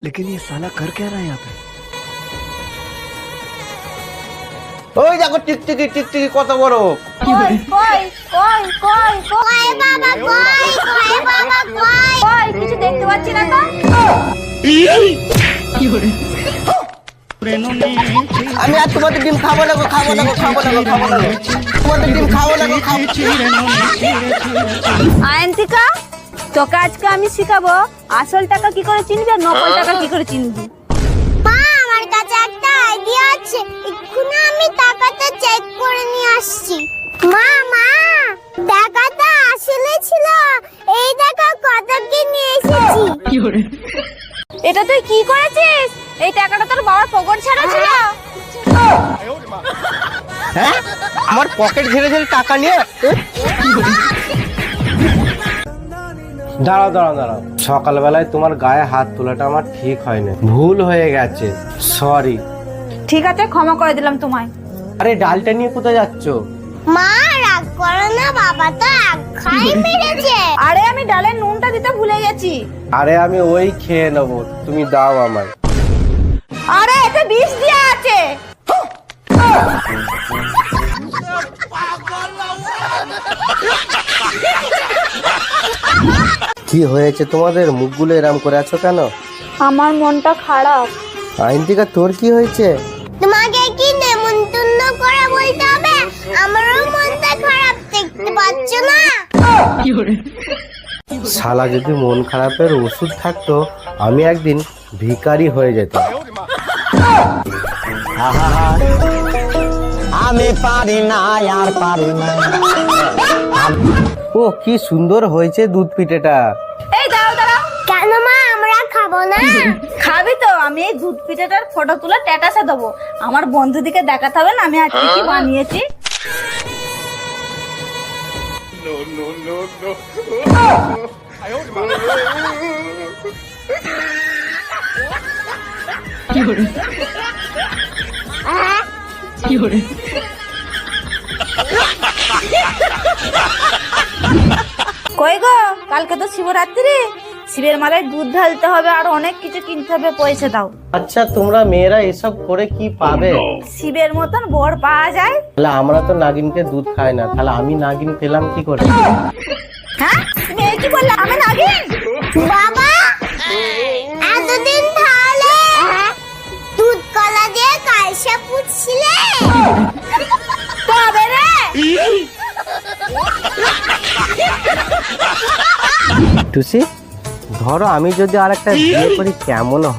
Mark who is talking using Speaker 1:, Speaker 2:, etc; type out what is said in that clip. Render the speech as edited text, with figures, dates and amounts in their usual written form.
Speaker 1: लेकिन ये साला कर क्या रहा है यहाँ पे?
Speaker 2: ওই দেখো টিকটিকি টিকটিকি কত বড়।
Speaker 3: কই কই কই কই কই বাবা কই কই বাবা কই কই কিছু দেখতে পাচ্ছি না তো।
Speaker 2: আমি আর তোমাদের ডিম খাবো না গো, খাবো না গো, খাবো না গো, খাবো না গো। তোমাদের ডিম খাবো না গো, খাবো।
Speaker 3: আয়ন্তিকা তোকে আজকে আমি শিখাবো আসল টাকা কি করে চিনবি আর নকল টাকা কি করে চিনবি। মা আমার কাছে একটা আইডিয়া আছে, এক্ষুনি আমি টাকাটা চেক করে নিয়ে আসছি। মা মা টাকাটা আসলে ছিল, এই টাকা কত কি নিয়ে এসেছি। এটা তুই কি করেছিস? এই টাকাটা তোর বাবার পকেট ছাড়া ছিল।
Speaker 2: হ্যাঁ আমার পকেট ঘিরে ঘিরে টাকা নিয়ে। দাঁড়াও দাঁড়াও দাঁড়াও, সকালবেলায় তোমার গায়ে হাত তোলাটা আমার ঠিক হয়নি, ভুল হয়ে গেছে, সরি।
Speaker 3: ঠিক আছে ক্ষমা করে দিলাম তোমায়।
Speaker 2: আরে ডালটা নিয়ে কোথায় যাচ্ছ?
Speaker 3: মা রাগ করো না, বাবা তো এক খাই মেরেছে। আরে আমি ডালের নুনটা দিতে ভুলে গেছি।
Speaker 2: আরে আমি ওই খেয়ে নেবো, তুমি দাও আমায়।
Speaker 3: আরে এতে বিষ দেয়া আছে।
Speaker 2: কি হয়েছে তোমাদের, মুখগুলো এরম করে আছো কেন?
Speaker 3: আমার মনটা খারাপ।
Speaker 2: আইনতিকা তোর কি হয়েছে?
Speaker 3: তোমাকে কি নেমন্তন্ন করে বলতে হবে? আমারও মনটা খারাপ, দেখতে পাচ্ছ না?
Speaker 2: শালা যদি মন খারাপের ওষুধ থাকতো আমি একদিন ভিখারি হয়ে যেতাম।
Speaker 4: আমি পারি না আর পারি না।
Speaker 2: ও কি সুন্দর হয়েছে দুধ পিঠেটা।
Speaker 3: এই দাঁড়াও দাঁড়াও। কেন মা আমরা খাবো না? খাবি তো, আমি এই দুধ পিঠাটার ফটো তুলে স্ট্যাটাসে দেবো। আমার বন্ধুদিকে দেখাতে হবে না আমি আজকে কি বানিয়েছি। কই গো, কালকে তো শিবরাত্রি, শিবের মালায় দুধ ঢালতে হবে আর অনেক কিছু কিনতে হবে, পয়সা দাও।
Speaker 2: আচ্ছা তোমরা মেয়েরা এসব করে কি পাবে?
Speaker 3: শিবের মতন বর পাওয়া যায়?
Speaker 2: তাহলে আমরা তো নাগিনকে দুধ খাই না, তাহলে আমি নাগিন পেলাম কি করে?
Speaker 3: হ্যাঁ তুমি এই কি বললে, আমি নাগিন? বাবা এতদিন তাহলে দুধ কলা দিয়ে কালসা পুছছিলে তবে রে।
Speaker 2: টুসি ধরো আমি যদি আর একটা বিয়ে করি কেমন